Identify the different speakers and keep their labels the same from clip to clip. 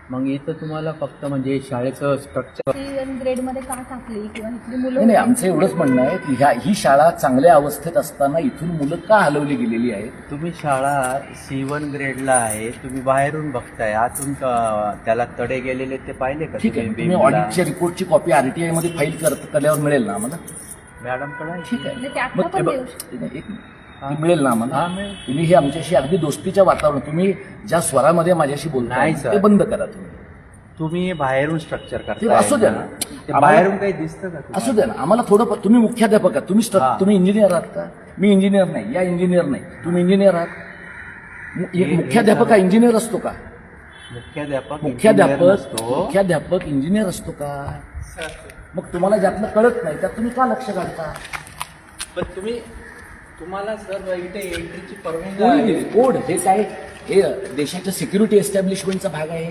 Speaker 1: मग इथं तुम्हाला फक्त म्हणजे शाळेचं स्ट्रक्चर
Speaker 2: ग्रेड मध्ये का टाकली किंवा इथली मुलं
Speaker 3: नाही, आमचं एवढंच म्हणणं आहे की ही शाळा चांगल्या अवस्थेत असताना इथून मुलं का हलवली गेलेली आहेत?
Speaker 1: तुम्ही शाळा C1 ग्रेडला आहे, तुम्ही बाहेरून बघताय, आतून त्याला तडे गेलेले ते पाहिले का?
Speaker 3: ठीक आहे, तुम्ही ऑडिटच्या रिपोर्टची कॉपी RTI मध्ये फाईल केल्यावर मिळेल ना आम्हाला?
Speaker 1: मॅडमकडे
Speaker 3: ठीक आहे,
Speaker 2: म्हणजे त्यातनं
Speaker 3: मग
Speaker 2: पण
Speaker 3: ते
Speaker 2: देऊ
Speaker 3: एक मिनिट. मिळेल ना आम्हाला?
Speaker 1: हा, मिळेल.
Speaker 3: तुम्ही हे आमच्याशी अगदी दोस्तीच्या वातावरण, तुम्ही ज्या स्वरामध्ये माझ्याशी बोलताय
Speaker 1: नाही, सर.
Speaker 3: ते बंद करा तुम्ही.
Speaker 1: तुम्ही बाहेरून स्ट्रक्चर
Speaker 3: ते
Speaker 1: करताय
Speaker 3: असू द्या ना.
Speaker 1: ते बाहेरून काही दिसतं का तुम्हाला?
Speaker 3: असू द्या ना, आम्हाला थोडं तुम्ही मुख्याध्यापक आहात,
Speaker 1: हा.
Speaker 3: तुम्ही इंजिनियर आहात का? मी इंजिनियर नाही, या इंजिनियर नाही, तुम्ही इंजिनियर आहात. मुख्याध्यापक हा इंजिनियर असतो का? मुख्याध्यापक इंजिनियर असतो का? मग तुम्हाला ज्यातलं कळत नाही त्यात तुम्ही का लक्ष घालता?
Speaker 1: पण तुम्हाला सर इथे एंट्रीची परवानगी
Speaker 3: कोण
Speaker 1: आहे.
Speaker 3: दिली? कोड हे काय? हे देशाच्या सिक्युरिटी एस्टॅब्लिशमेंटचा भाग आहे.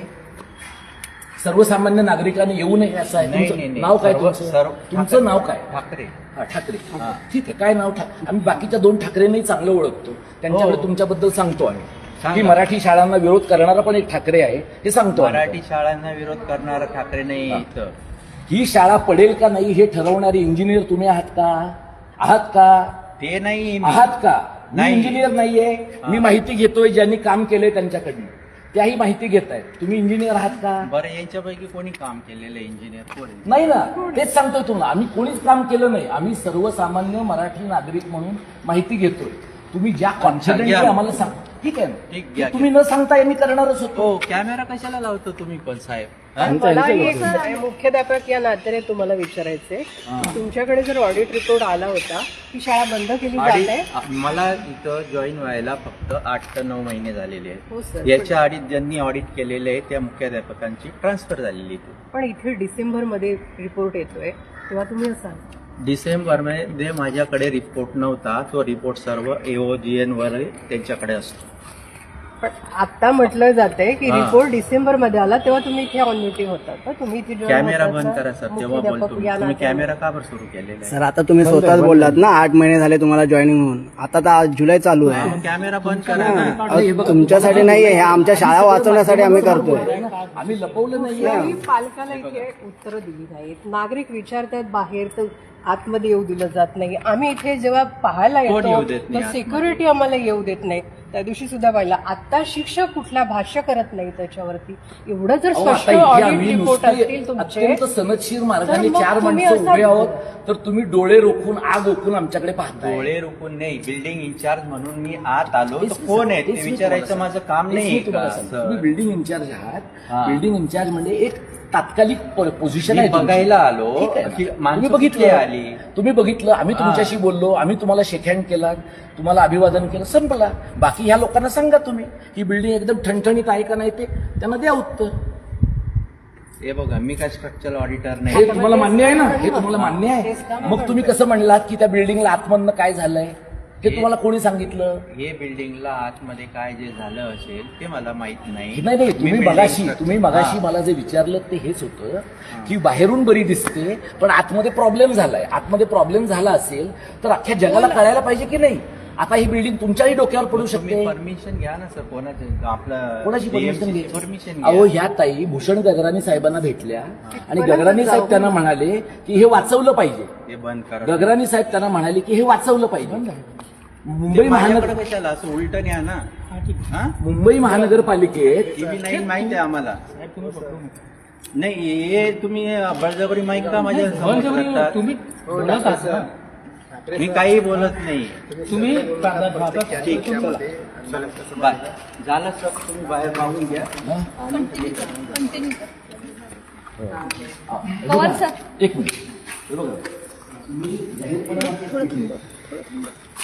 Speaker 3: सर्वसामान्य नागरिकांनी येऊ नये असं आहे.
Speaker 1: नाही,
Speaker 3: तुमचं नाव काय? तुमचं नाव काय?
Speaker 1: ठाकरे.
Speaker 3: हा, ठाकरे. ठीक आहे, काय नाव? आम्ही बाकीच्या 2 ठाकरेंनाही चांगलं ओळखतो, त्यांच्याकडे
Speaker 1: हो.
Speaker 3: तुमच्याबद्दल सांगतो आम्ही
Speaker 1: सांगा.
Speaker 3: की मराठी शाळांना विरोध करणारा पण एक ठाकरे आहे, हे सांगतो आम्ही.
Speaker 1: मराठी शाळांना विरोध करणारा ठाकरे नाही इथं.
Speaker 3: ही शाळा पडेल का नाही हे ठरवणारे इंजिनियर तुम्ही आहात का? आहात का?
Speaker 1: ते नाही
Speaker 3: आहात का? मी
Speaker 1: नाही.
Speaker 3: इंजिनियर नाहीये. मी माहिती घेतोय ज्यांनी काम केलंय त्यांच्याकडनं, त्याही माहिती घेतायत. तुम्ही इंजिनियर आहात का?
Speaker 1: बरं, यांच्यापैकी कोणी काम केलेलं इंजिनियर कोण आहे?
Speaker 3: नाही ना, तेच सांगतोय तुम्हाला. आम्ही कोणीच काम केलं नाही. आम्ही सर्वसामान्य मराठी नागरिक म्हणून माहिती घेतोय. तुम्ही ज्या कॉन्फिडंटली
Speaker 1: घ्या.
Speaker 3: आम्हाला सांग, ठीक आहे
Speaker 1: ठीक,
Speaker 3: ना?
Speaker 1: घ्या,
Speaker 3: तुम्ही न सांगता यांनी करणारच होतो.
Speaker 1: हो, कॅमेरा कशाला लावतो तुम्ही पण साहेब? हा?
Speaker 4: मला एक मुख्याध्यापक या नात्याने तुम्हाला विचारायचंय की तुमच्याकडे जर ऑडिट रिपोर्ट आला होता की शाळा बंद केली जात आहे.
Speaker 1: मला इथं जॉईन व्हायला फक्त 8 ते 9 महिने झालेले
Speaker 4: हो
Speaker 1: आहेत.
Speaker 4: सर,
Speaker 1: याच्या आधी ज्यांनी ऑडिट केलेले आहे त्या मुख्याध्यापकांची ट्रान्सफर झालेली आहे.
Speaker 4: पण इथे डिसेंबर मध्ये रिपोर्ट येतोय तेव्हा तुम्ही असाल.
Speaker 1: डिसेंबरमध्ये माझ्याकडे रिपोर्ट नव्हता. तो रिपोर्ट सर्व AOGN वर त्यांच्याकडे असतो.
Speaker 4: पण आता म्हटलं जातंय की
Speaker 1: हा.
Speaker 4: रिपोर्ट डिसेंबर मध्ये आला तेव्हा तुम्ही इथे ऑन ड्युटी होता तर तुम्ही इथे join
Speaker 1: कॅमेरा
Speaker 4: होतात
Speaker 1: बंद
Speaker 4: ना,
Speaker 1: करा सर, तेव्हा
Speaker 4: मुख्याध्यापक
Speaker 1: बोलतो.
Speaker 4: या
Speaker 1: तुम्ही
Speaker 4: नात्याने.
Speaker 1: कॅमेरा का बरं सुरू केलेला आहे?
Speaker 5: सर आता तुम्ही स्वतःच बोललात ना 8 महिने झाले तुम्हाला जॉईनिंग होऊन. आता तर आज जुलै चालू आहे.
Speaker 1: मग कॅमेरा बंद करा ना.
Speaker 5: अहो, तुमच्यासाठी नाहीये, हे आमच्या शाळा वाचवण्यासाठी आम्ही करतोय.
Speaker 3: आम्ही लपवलं नाही.
Speaker 4: तुम्ही पालकाला इथे उत्तरं दिली नाहीत. नागरिक विचारतात बाहेर तर आतमध्ये येऊ दिलं जात नाही. आम्ही इथे जेव्हा पाहायला
Speaker 1: कोण येऊ
Speaker 4: येतो
Speaker 1: देत नाही
Speaker 4: तर सिक्युरिटी आम्हाला येऊ देत नाही. त्या दिवशी सुद्धा पाहिला. आता शिक्षक कुठला भाष्य करत नाही त्याच्यावरती. एवढं जर
Speaker 3: अहो,
Speaker 4: स्पष्ट
Speaker 3: आता इथे
Speaker 4: ऑडिट
Speaker 3: आम्ही
Speaker 4: रिपोर्ट
Speaker 3: नुसते
Speaker 4: असतील तुमचे
Speaker 3: अत्यंत सनदशीर मार्गाने
Speaker 4: तर मग
Speaker 3: 4
Speaker 4: तुम्ही
Speaker 3: माणसं
Speaker 4: असं-
Speaker 3: उभे आहोत तर तुम्ही डोळे रोखून आग ओकून आमच्याकडे पाहताय.
Speaker 1: डोळे रोखून नाही, बिल्डिंग इंचार्ज म्हणून मी आत आलो.
Speaker 3: तेच
Speaker 1: तर
Speaker 3: मी
Speaker 1: कोण आहे
Speaker 3: तेच
Speaker 1: ते
Speaker 3: मी
Speaker 1: विचारायचं
Speaker 3: तुम्हाला
Speaker 1: माझं काम
Speaker 3: तेच
Speaker 1: नाही
Speaker 3: मी
Speaker 1: आहे
Speaker 3: तुम्हाला
Speaker 1: का?
Speaker 3: सांगतो. तुम्ही बिल्डिंग इंचार्ज आहात.
Speaker 1: हा.
Speaker 3: बिल्डिंग इंचार्ज म्हणजे एक तात्कालिक पोझिशन
Speaker 1: मी
Speaker 3: आहे तुमची.
Speaker 1: बघायला आलो
Speaker 3: ठीक आहे ना?
Speaker 1: की माणसं
Speaker 3: तुम्ही
Speaker 1: कुठली
Speaker 3: बघितलं
Speaker 1: आली.
Speaker 3: तुम्ही बघितलं, आम्ही
Speaker 1: हा.
Speaker 3: तुमच्याशी बोललो, आम्ही तुम्हाला शेक हँड केला, तुम्हाला अभिवादन केलं, संपला. बाकी ह्या लोकांना सांगा तुम्ही ही बिल्डिंग एकदम ठणठणीत आहे का नाही ते त्यांना द्या उत्तर.
Speaker 1: हे बघा, मी काय स्ट्रक्चरल ऑडिटर
Speaker 3: हे
Speaker 1: नाही.
Speaker 3: तुम्हाला मान्य आहे ना? हे तुम्हाला मान्य आहे? मग तुम्ही कसं म्हणलात की त्या बिल्डिंगला आतमधनं काय झालंय हे तुम्हाला कोणी सांगितलं?
Speaker 1: हे बिल्डिंगला आतमध्ये काय जे झालं असेल ते मला माहित नाही.
Speaker 3: नाही नाही, तुम्ही
Speaker 1: मी
Speaker 3: मगाशी
Speaker 1: building
Speaker 3: मला जे विचारलं ते हेच होतं की बाहेरून बरी दिसते पण आतमध्ये प्रॉब्लेम झालाय. आतमध्ये प्रॉब्लेम झाला असेल तर अख्ख्या जगाला कळायला पाहिजे की नाही? आता ही बिल्डिंग तुमच्याही डोक्यावर पडू शकते.
Speaker 1: तुम्ही परमिशन घ्या ना सर.
Speaker 3: कोणाची परमिशन घे?
Speaker 1: परमिशन
Speaker 3: अहो, ह्या ताई भूषण गगराणी साहेबांना भेटल्या आणि गगराणी साहेब त्यांना म्हणाले की हे वाचवलं पाहिजे.
Speaker 1: ते बंद करा.
Speaker 3: गगराणी साहेब त्यांना म्हणाले की हे वाचवलं पाहिजे. मुंबई
Speaker 1: माझ्याकडे कशाला असं उलटं या ना. हा?
Speaker 3: मुंबई महानगरपालिकेत
Speaker 1: टीव्ही लाईन माहिती आहे आम्हाला. नाही, हे तुम्ही बळजबरी माईक का माझ्या समोर करता? मी काही बोलत नाही.
Speaker 6: तुम्ही
Speaker 1: ठीक, बाय. झालं सर, तुम्ही बाहेर मागून घ्या.
Speaker 2: कंटिन्यू पवार सर
Speaker 3: एक मिनिट हे बघा.